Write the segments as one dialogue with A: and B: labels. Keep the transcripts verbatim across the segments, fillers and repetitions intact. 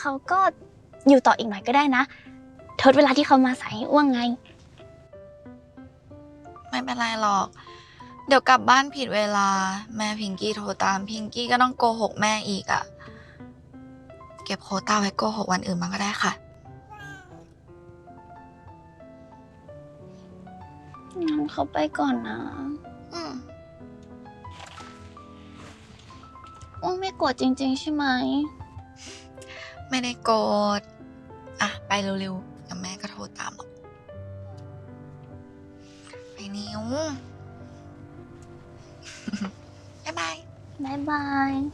A: เขาก็อยู่ต่ออีกหน่อยก็ได้นะทดเวลาที่เขามาสายให้อ้วงไง
B: ไม่เป็นไรหรอกเดี๋ยวกลับบ้านผิดเวลาแม่พิงกี้โทรตามพิงกี้ก็ต้องโกหกแม่อีกอะเก็บโควต้าไว้โกหกวันอื่นมาก็ได้ค่ะ
A: งั้นเขาไปก่อนนะ
B: อืม
A: อ้วงไม่โกรธจริงๆใช่ไหม
B: ไม่ได้โกรธอ่ะไปเร็วๆเดี๋ยวแม่ก็โทรตามหรอกไปนิ้ว บ๊ายบาย
A: บ๊ายบาย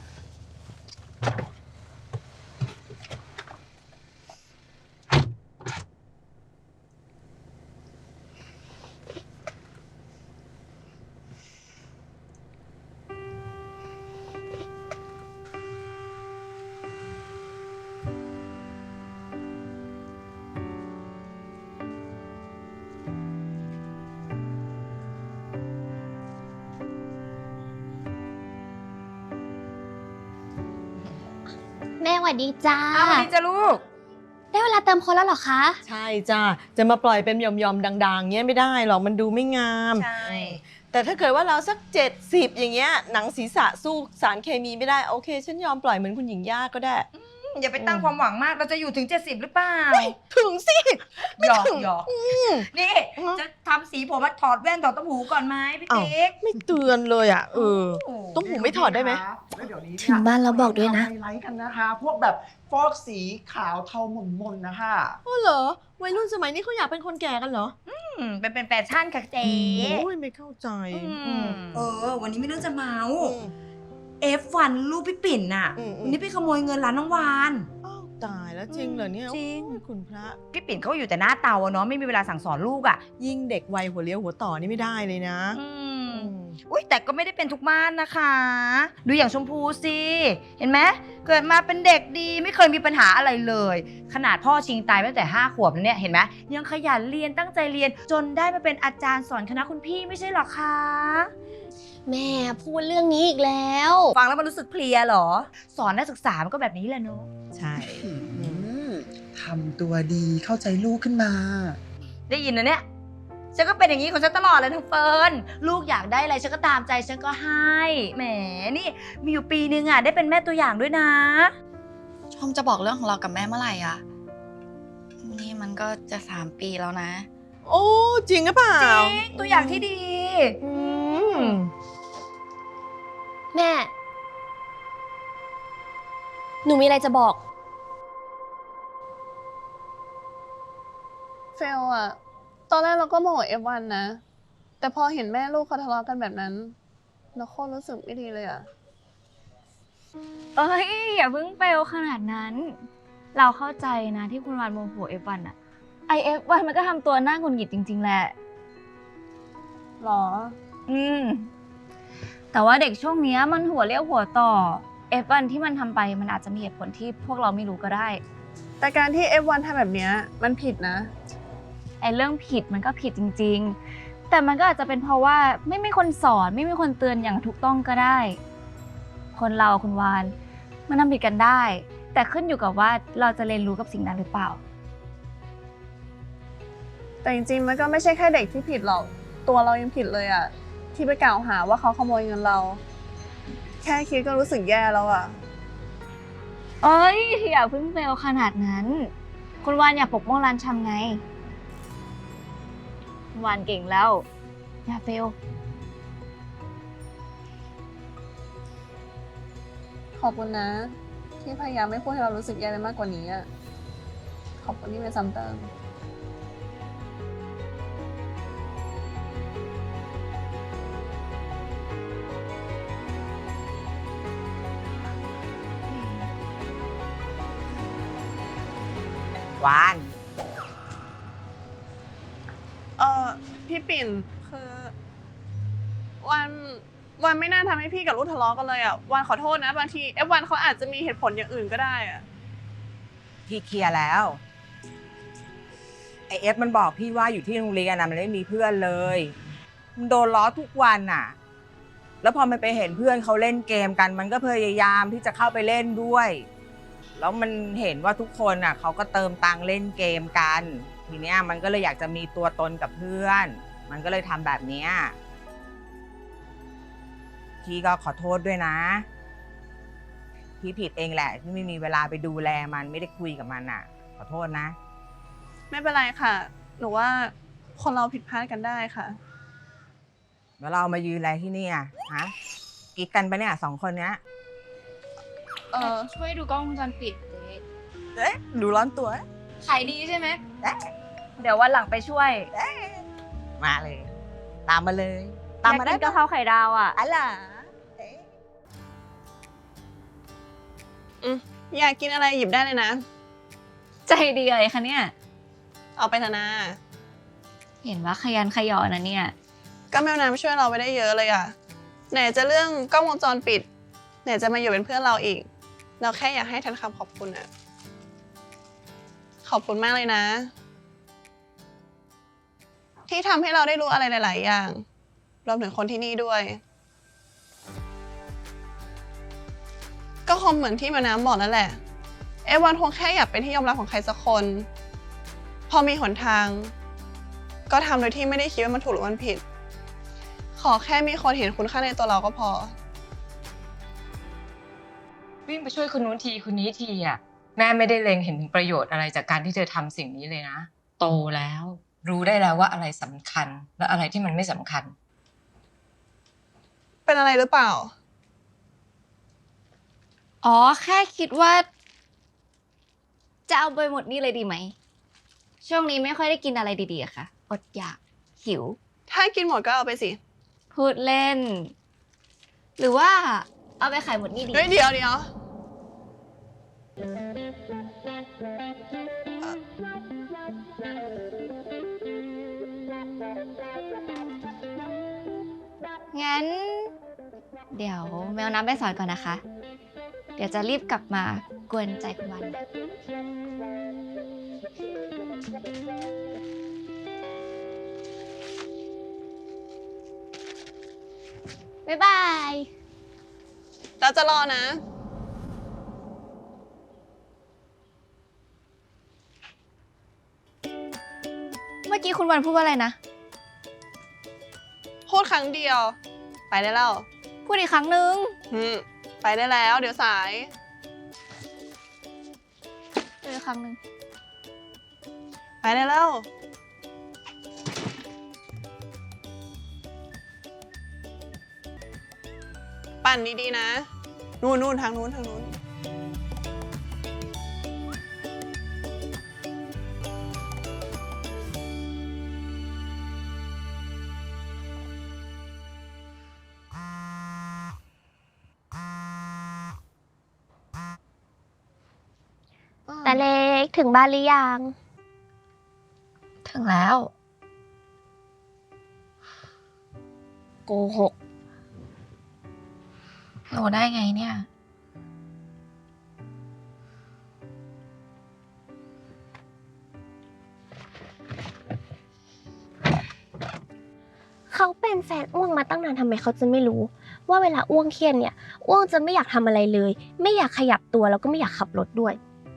A: แม่สวัสดีจ้า
C: สวัสดีจ้าลูก
A: ได้เวลาเติมโค้ดแล้วเหรอคะ
D: ใช่จ้าจะมาปล่อยเป็นยอมๆดังๆเงี้ยไม่ได้หรอกมันดูไม่งาม
C: ใช่
D: แต่ถ้าเกิดว่าเราสักเจ็ดสิบอย่างเงี้ยหนังศีรษะสู้สารเคมีไม่ได้โอเคฉันยอมปล่อยเหมือนคุณหญิงย่าก็ได้
C: อย่าไปตั้งความหวังมากเราจะอยู่ถึงเจ็ดสิบหรือเปล่า
D: ถึงสิ
C: หยอกหยอกนี่จะทำสีผมมาถอดแว่นถอดต้มหูก่อนไหมพี่ติ๊ก
D: ไม่เตือนเลยอ่ะเออต้มหูไม่ถอดได้ไหม
A: ถึงบ้านเราบอกด้วยนะ
E: ไฮไลท์กันนะคะพวกแบบฟอกสีขาวเทาหม่นๆนะคะ
D: อ๋อเหรอวัยรุ่นสมัยนี้เขาอยากเป็นคนแก่กันเหรอ
C: อืมเป็นเป็นแฟชั่นค่ะเจ๊
D: โอ้ยไม่เข้าใจ
C: เออวันนี้ไม่เรื่องจะเมา เอฟ วัน ลูกพี่ปิ่นน่ะวันนี้ไปขโมยเงินร้านน้องวาน
D: อ้าวตายแล้วจริงเหรอเนี่ย
C: จริง
D: คุณพระ
C: พี่ปิ่นเขาอยู่แต่หน้าเตาอะเนาะไม่มีเวลาสั่งสอนลูกอะ
D: ยิ่งเด็กวัยหัวเลี้ยวหัวต่อนี่ไม่ได้เลยนะ
C: อืมอุ้ยแต่ก็ไม่ได้เป็นทุกบ้านนะคะดูอย่างชมพูสิเห็นไหมเกิดมาเป็นเด็กดีไม่เคยมีปัญหาอะไรเลยขนาดพ่อชิงตายตั้งแต่ห้าขวบแล้วเนี่ยเห็นไหมยังขยันเรียนตั้งใจเรียนจนได้มาเป็นอาจารย์สอนคณะคุณพี่ไม่ใช่หรอคะ
A: แม่พูดเรื่องนี้อีกแล้ว
C: ฟังแล้วมันรู้สึกเพลียเหรอสอนนักศึกษามันก็แบบนี้แหละเนาะ
D: ใช่
E: ทำตัวดีเข้าใจลูกขึ้นมา
C: ได้ยินนะเนี่ยฉันก็เป็นอย่างนี้ของฉันตลอดเลยทั้งเฟิร์นลูกอยากได้อะไรฉันก็ตามใจฉันก็ให้แหมนี่มีอยู่ปีนึงอ่ะได้เป็นแม่ตัวอย่างด้วยนะ
B: ชมจะบอกเรื่องของเรากับแม่เมื่อไหร่อ่ะนี่มันก็จะสามปีแล้วนะ
D: โอ้จริงหรือเปล่า
C: จริงตัวอย่างที่ดี
A: แม่หนูมีอะไรจะบอก
F: เฟลอะตอนแรกเราก็โมโห เอฟ วัน นะแต่พอเห็นแม่ลูกเขาทะเลาะกันแบบนั้นเราโคตรรู้สึกไม่ดีเลยอะ
G: เอ้ยอย่าเพิ่งเฟลขนาดนั้น เราเข้าใจนะที่คุณวานโมโห เอฟ วัน อะไอ เอฟ วัน มันก็ทำตัวน่าหงุดหงิดจริงๆแหละ
F: หรอ
G: อืมแต่ว่าเด็กช่วงนี้มันหัวเลี้ยวหัวต่อ เอฟ วัน ที่มันทำไปมันอาจจะมีเหตุผลที่พวกเราไม่รู้ก็ได้
F: แต่การที่ เอฟ วัน ทำแบบนี้มันผิดนะ
G: ไอ้เรื่องผิดมันก็ผิดจริงๆแต่มันก็อาจจะเป็นเพราะว่าไม่มีคนสอนไม่มีคนเตือนอย่างถูกต้องก็ได้คนเราคุณวานมันทำผิดกันได้แต่ขึ้นอยู่กับว่าเราจะเรียนรู้กับสิ่งนั้นหรือเปล่า
F: แต่จริงๆมันก็ไม่ใช่แค่เด็กที่ผิดหรอกตัวเรายังผิดเลยอะที่ไปกล่าวหาว่าเขาขโมยเงินเราแค่คิดก็รู้สึกแย่แล้วอะ
G: เอ้ยอย่าเพิ่งเฟลขนาดนั้นคุณวานอย่าปกป้องร้านชำไงคุณวานเก่งแล้วอย่าเฟล
F: ขอบคุณนะที่พยายามไม่พูดให้เรารู้สึกแย่ไปมากกว่านี้อะขอบคุณที่ไม่ซ้ำเติม
C: วาน
F: เออพี่ปิ่นคือวันวันไม่น่าทำให้พี่กับลูกทะเลาะกันเลยอ่ะวันขอโทษนะบางทีเอฟวันเขาอาจจะมีเหตุผลอย่างอื่นก็ได้อ่ะ
H: พี่เคลียร์แล้วไอเอฟมันบอกพี่ว่าอยู่ที่โรงเรียนนะมันไม่มีเพื่อนเลยมันโดนล้อทุกวันน่ะแล้วพอมันไปเห็นเพื่อนเขาเล่นเกมกันมันก็พยายามที่จะเข้าไปเล่นด้วยแล้วมันเห็นว่าทุกคนอ่ะเขาก็เติมตังค์เล่นเกมกัน ทีเนี้ยมันก็เลยอยากจะมีตัวตนกับเพื่อน มันก็เลยทำแบบเนี้ยพี่ก็ขอโทษด้วยนะพี่ผิดเองแหละที่ไม่มีเวลาไปดูแลมันไม่ได้คุยกับมันอ่ะ ขอโทษนะ
F: ไม่เป็นไรค่ะ หนูว่าคนเราผิดพลาดกันได้ค่ะ
H: แล้วเรามายืนอะไรที่นี่อ่ะฮะกิ๊กกันปะเนี่ยสองคนเนี้ย
F: เออ
G: ช่วยดูกล้องวงจรปิดเจ๊
H: เอ๊ะดูร้อนตัว
G: ขายดีใช่ไหมเดี๋ยววันหลังไปช่วย
H: มาเลย ตามมาเลย ตามมาได้
G: อยกกินกะเพราไข่ดาวอ่ะ
H: อะไร
F: อืมอยากกินอะไรหยิบได้เลยนะ
G: ใจดีอะไรคะเนี่ย
F: เอาไปเถอะนะ
G: เห็นว่าขยันขยอนะเนี่ย
F: ก็แมวน้ำช่วยเราไปได้เยอะเลยอะไหนจะเรื่องกล้องวงจรปิด ไหนจะมาอยู่เป็นเพื่อนเราอีก เราแค่อยากให้แทนคำขอบคุณอะขอบคุณมากเลยนะ ที่ทำให้เราได้รู้อะไรหลาย ๆ อย่าง รวมถึงคนที่นี่ด้วย ก็คงเหมือนที่แมวน้ำบอกนั่นแหละ เอวันคงแค่อยากเป็นที่ยอมรับของใครสักคน พอมีหนทาง ก็ทำโดยที่ไม่ได้คิดว่ามันถูกหรือมันผิด ขอแค่มีคนเห็นคุณค่าในตัวเราก็พอ
I: วิ่งไปช่วยคนนู้นทีคนนี้ทีอ่ะแม่ไม่ได้เล็งเห็นถึงประโยชน์อะไรจากการที่เธอทำสิ่งนี้เลยนะโตแล้วรู้ได้แล้วว่าอะไรสำคัญและอะไรที่มันไม่สำคัญ
F: เป็นอะไรหรือเปล่า
G: อ๋อ แค่คิดว่า จะเอาไปหมดนี่เลยดีไหม ช่วงนี้ไม่ค่อยได้กินอะไรดีๆอะค่ะ อดอยาก หิว
F: ถ้ากินหมดก็เอาไปสิ
G: พูดเล่น หรือว่าเอาไปขายหมดนี่ดี
F: เฮ้ยเดี๋ยวเดี๋ยวเอ่อ
G: งั้น เดี๋ยวแมวน้ำไปสอนก่อนนะคะ เดี๋ยวจะรีบกลับมากวนใจคุณวันนะบ๊ายบาย
F: เราจะรอนะ
G: เมื่อกี้คุณวันพูดว่าอะไรนะ
F: พูดครั้งเดียว ไปได้แล้ว
G: พูดอีกครั้งนึง
F: อืมไปได้แล้ว เดี๋ยวสาย
G: พูดอีกครั้งนึง
F: ไปได้แล้ว ปั่นดีๆนะ นู่นนู่นทางนู้นทางนู้น
A: แต่เล็กถึงบ้านหรือยัง
B: ถึงแล้ว
A: โกหก
B: หนูได้ไงเนี่ย
A: เขาเป็นแฟนอ้วงมาตั้งนานทำไมเขาจะไม่รู้ ว่าเวลาอ้วงเครียดเนี่ยอ้วงจะไม่อยากทำอะไรเลย ไม่อยากขยับตัวแล้วก็ไม่อยากขับรถด้วย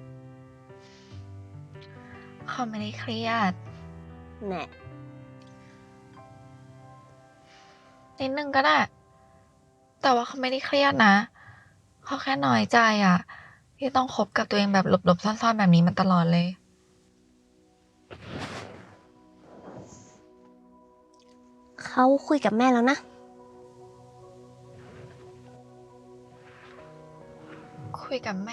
B: เขาไม่ได้เครียด
A: แน่
B: นิดนึงก็ได้ แต่ว่าเขาไม่ได้เครียดนะ เขาแค่น้อยใจอ่ะ ที่ต้องคบกับตัวเองแบบหลบๆซ่อนๆแบบนี้มาตลอดเลย
A: เขาคุยกับแม่แล้วนะ
B: คุยกับแม่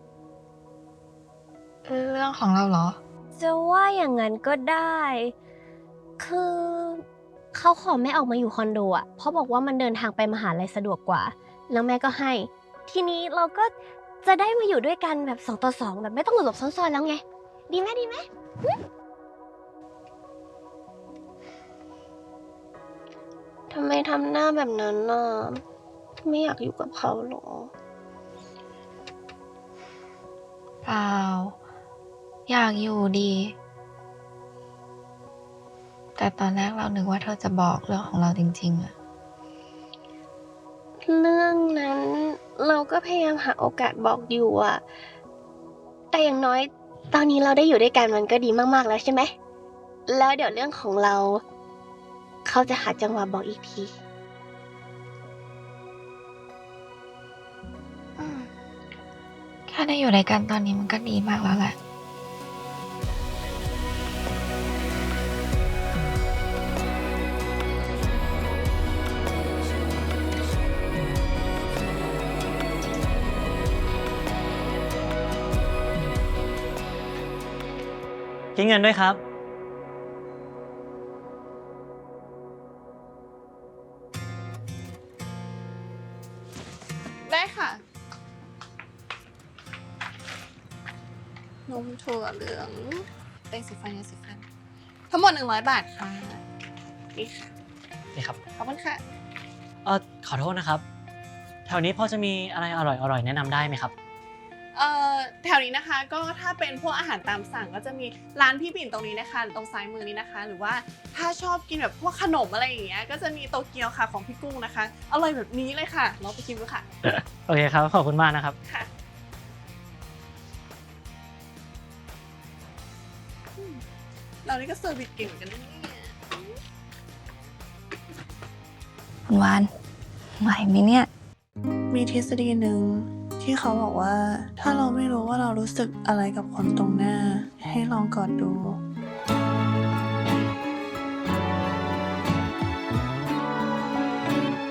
B: เรื่องของเราเหรอ
A: จะว่าอย่างนั้นก็ได้ คือเขาขอแม่ออกมาอยู่คอนโดอ่ะ เพราะบอกว่ามันเดินทางไปมหาลัยสะดวกกว่า แล้วแม่ก็ให้ ทีนี้เราก็จะได้มาอยู่ด้วยกันแบบสองต่อสองแบบไม่ต้องหลบซ่อนๆแล้วไง ดีไหมดีไหม ทำไมทำหน้าแบบนั้นน่ะ ไม่อยากอยู่กับเขาหรอ
B: เปล่า อยากอยู่ดี แต่ตอนแรกเรานึกว่าเธอจะบอกเรื่องของเราจริงๆอะ
A: เรื่องนั้นเราก็พยายามหาโอกาสบอกอยู่อะแต่อย่างน้อย ตอนนี้เราได้อยู่ด้วยกันมันก็ดีมากๆแล้วใช่ไหม แล้วเดี๋ยวเรื่องของเรา เขาจะหาจังหวะบอกอีกที
B: อืมแค่ได้อยู่ด้วยกันตอนนี้มันก็ดีมากแล้วแหละ
J: คิดเงินด้วยครับ
F: ได้ค่ะ นมถั่วเหลืองเต้งสีฟันยาสีฟัน ทั้งหมดหนึ่งร้อยบาทค่ะ นี่ค่ะ
J: นี่ครับ
F: ขอบคุณค่ะ
J: เออขอโทษนะครับ แถวนี้พอจะมีอะไรอร่อยๆแนะนำได้ไหมครับ
F: เอ่อแถวนี้นะคะก็ถ้าเป็นพวกอาหารตามสั่งก็จะมีร้านพี่ปิ่นตรงนี้นะคะตรงซ้ายมือนี้นะคะ หรือว่าถ้าชอบกินแบบพวกขนมอะไรอย่างเงี้ยก็จะมีโตเกียวค่ะของพี่กุ้งนะคะอร่อยแบบนี้เลยค่ะลองไปชิมดูค่ะ
J: โอเคครับ ขอบคุณมากนะครับ
F: ค่ะอืมเรานี่ก็เซอร์วิสเก่งเหมือนกันนะเนี่ย
B: คุณวานไหวไหมเนี่ย
F: มีทฤษฎีหนึ่งที่เขาบอกว่าถ้าเราไม่รู้ว่าเรารู้สึกอะไรกับคนตรงหน้า ให้ลองกอดดู